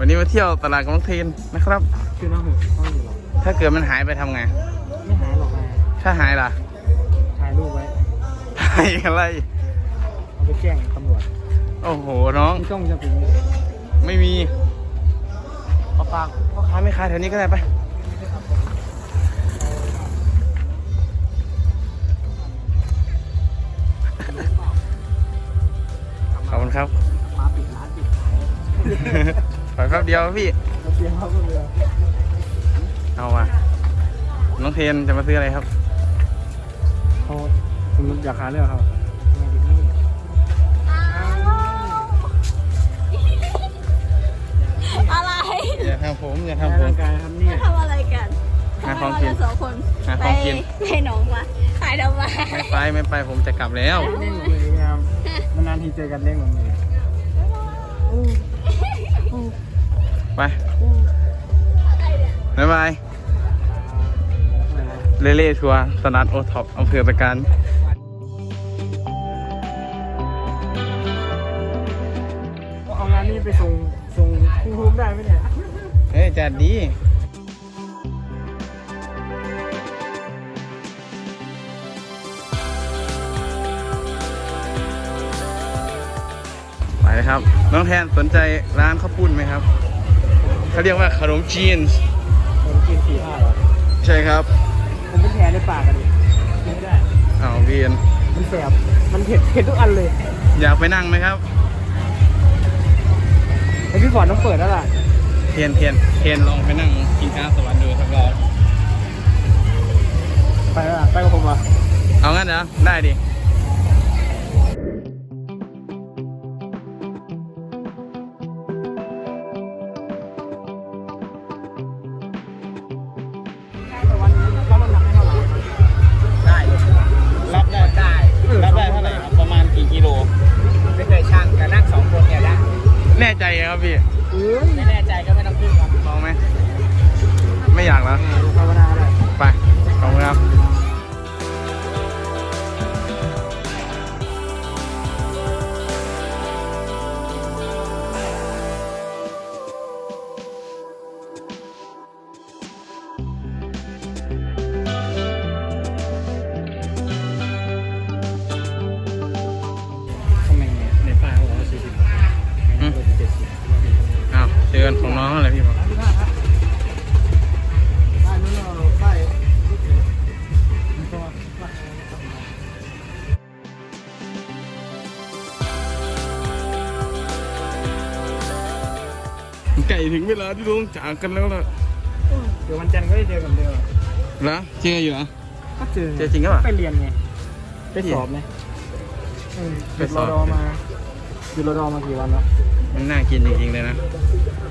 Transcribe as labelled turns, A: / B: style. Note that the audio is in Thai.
A: วันนี้มาเที่ยวตลาดกับน้องเทนนะครับ
B: คือน้องหูห้องอยู่หรอ
A: ถ้าเกิดมันหายไปทำไง
B: ไม่หายหรอกนะ
A: ถ้าหายล่ะ
B: ถ่ายรูปไว้
A: หายอะไร
B: เอาไปแจ้งตำรวจ
A: โอ้โหน้อง
B: ที่ต้องจะถึง
A: ไม่มีเอาฝากพ่อค้าไม่ค้าแถวนี้ก็ได้ไปขอบคุณครับ
B: มาปิดร้านปิดขาย
A: ขอแป๊บเดียวพี่
B: เสียเขาเลย
A: เอาว่ะน้องเทนจะมาซื้ออะไรครับ
B: เขาคุณอยากหาเรื่องเขา
C: อะไร
A: อย่าทำผมอย่า
B: ทำ
A: ทำผม
B: ร่างกายครับเนี่ย
C: ทำอะไรกัน
A: หาของกิน
C: ทำไมเราสองคน
A: หาของกิน
C: ไปหนองมาถ่ายทำไม
A: ไม่ไปผมจะกลับแล้ว
B: เล่นมืองามนานๆทีเจอกันเล่นมือ
A: ไปบ๊ายบายเล่ๆทัวร์สนัดโอท็อปอำเภอตะการ
B: เอางานนี้ไปส่งภูมิได้ไหมเนี่ย
A: เฮ้ยจัดดีไปเลยครับน้องแทนสนใจร้านข้าวปุ้นไหมครับเขาเรียกว่าขนมจีน
B: ผมกิน4-5หรอ
A: ใช่ครับ
B: ผมเป็นแผลในปากอะดิกินไม่ได้
A: อ้าวเวียน
B: มันแสบมันเผ็ดทุกอันเลย
A: อยากไปนั่งไหมครับ
B: ไอพี่ฟอร์ดต้องเปิดแล้วล่ะ
A: เทียนลองไปนั่งกินข้าวสวรรค์ดูสักรอบ
B: ไปแล้วล่ะไปกับผมเหรอ
A: เอางั้นเหรอได้ดิ
B: วันนี้รับน้ำหนักให้เท่าไหร่ได้เลย
A: รับได้เท่าไหร่ครับประมาณกี่กิโล
B: ไม่เคยช่างแต่นั่ง2 คนเนี่ยได้
A: แน่ใจครับพี่
B: ไม่แน่ใจก็ไม่ต้องขึ้นครับ
A: ลองไหมไม่อยากแล้ว
B: ภาวนาเลย
A: ไปขอบคุณครับ
B: ทำไมในป้ายเขาบอกว่า40ในนั้นเป็น70
A: อ้าวเจอกันของน้องอะไรพี่บอก
B: ป้ายนู้นเราป้าย
A: ไก่ถึงเวลาที่ต้องจากกันแล้วล่ะ
B: เดี๋ยววันจันทร์ก็ได้เจอกันเดียว
A: เหรอเจออยู่เหรอ
B: ก็เจอ
A: เจอจริงหรือเปล่า
B: ไปเรียนไงไปสอบไงหยุดรอดอมากี่วันแล้ว
A: มันน่ากินจริงๆเลยนะ